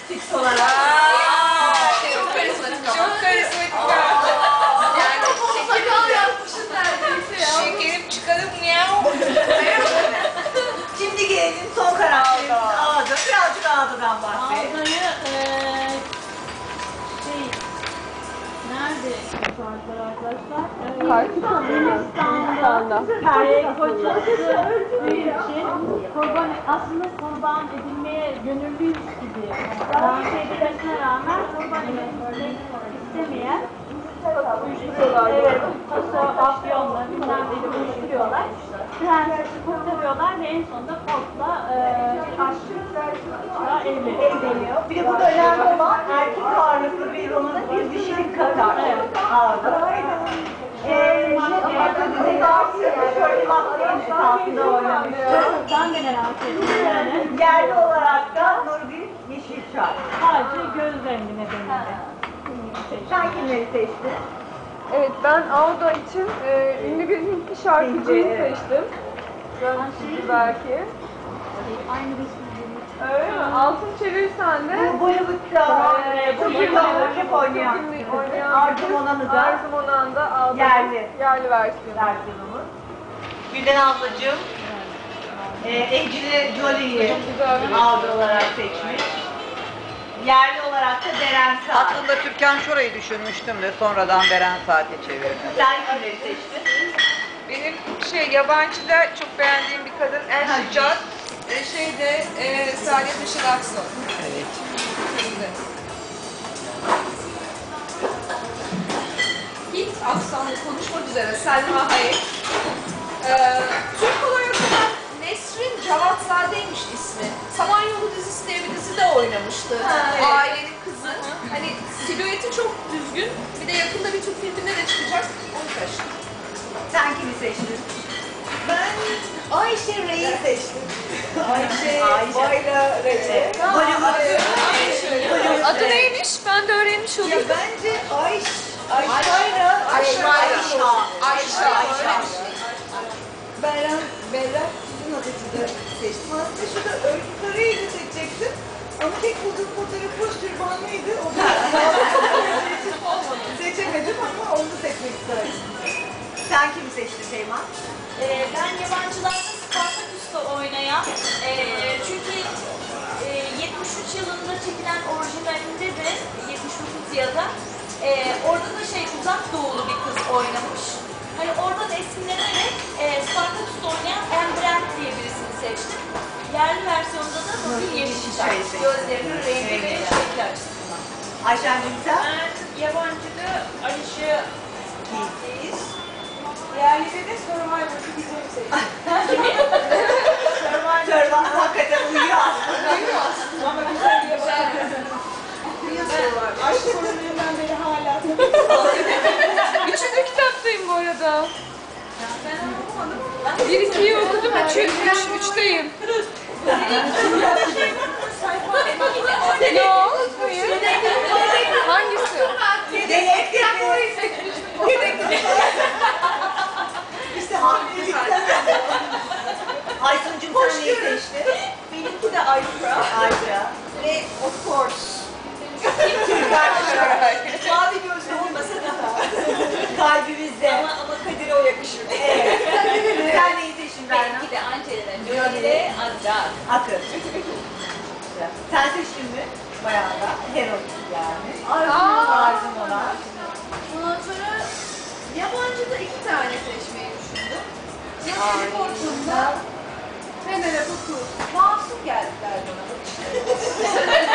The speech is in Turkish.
Fix olarak. Çok karizmatik ama. Çok karizmatik. Yani sakal yapmışsın neredeyse ya. Şekerim çıkarıp miyav. Şimdi gelelim son karakterimiz Ağda. Birazcık Ağda'dan bahsedelim. Ağda'yı nerede yaparlar arkadaşlar? Hindistan'da kocası öldüğü için aslında kurban edilmeye gönüllüyüz gibi dans etmesine rağmen kurban edilmek istemeyen evet, afyonla bilmem neyle buluşturuyorlar. Prensesi kurtarıyorlar ve en sonunda Port'la aşkla evleniyor. Bir de burada önemli olan erkek ağırlıklı bir romana bir dişilik katar. Ağda. Şöyle baktığım esasında oynamıştı. Ben de merak ettim yani. Yerli olarak da Nurgül Yeşilçay. Sadece göz rengi nedeniyle. Sen kimleri seçtin? Evet, ben Ağda için ünlü bir Hintli şarkıcıyı seçtim. Görmüşsünüz belki. Aynı resimleri. Öyle mi? Altın çevirsen de Bu Bollywood'da çok ünlü oynayan Arzu Monan'da Ağda yerli versiyonumuz. Gülden ablacığım Ecili Jolie'yi Ağda olarak seçmiş. Yerli olarak da Beren Saat. Aslında Türkan Şoray'ı düşünmüştüm de sonradan Beren Saat'e çevirdim. Sen kimleri seçtin? Benim yabancıda çok beğendiğim bir kadın Şicat. Saadet Işıl Aksoy. Evet. Hint aksanlı konuşmak üzere Selma Hayek. Türk olarak olan Nesrin Cevatzade'ymiş ismi. Samanyolu dizisi diye bir dizide oynamıştı. Evet. Ailenin kızı. Hani silüeti çok düzgün. Bir de yakında bir Türk filminde de çıkacak. Onu seçtim. Sen kimi seçtin? Ben Ayşe Rey'i seçtim. Ayşe. Bayla Rey. Adı neymiş? Ben de öğrenmiş Ya olayım. bence Ayşe. Berra sizin adınızı seçtim. Aslında şurada Örgü Karayel'i seçecektim. Ama tek bulduğum fotoğrafı hoş türbanlıydı. O da seçemedim ama onu seçmek istedim. Sen kimi seçtin Şeyma? Ben yabancılarda Spartaküs'te oynayan, çünkü 73 yılında çekilen orijinalinde de 79 ya da orada da Uzak Doğulu bir kız oynamış. Hani oradan esinlenerek Spartaküs'te oynayan Anne Brand diye birisini seçtim. Yerli versiyonda da Nurgül Yeşilçay. Gözlerinin rengi ve şekli açısından. Ayşen'cim sen? Ben yabancıda Alişe Biz yerlide de Survivor'ı bizim seçtik. Survivor hakikaten uyuyor aslında. Uyuyor aslında ama güzel bir yabancı. Aşk sorunlarından beri hala Üçüncü kitaptayım bu arada. ben okumadım ama 1-2'yi okudum, 3'teyim. Yok, hayır. Hangisi? Dedektif. İşte hamilelikten. Aysun'cum sen neyi seçtin? benimki de Ayşe Ayşe. ve of course mavi gözlü olmasa daha Kalbimizde. ama Kadir'e o yakışır. Evet. Sen neyi seçtin Berna? Benimki de Angelina Jolie Azra. Akın. Sen seçtin mi? Bayağı da. Heroin yani. Arzum olan. Ondan sonra yabancıda 2 tane seçmeyi düşündüm. Ya Natalie Portman'da Penelope Cruz. Masum geldiler bana.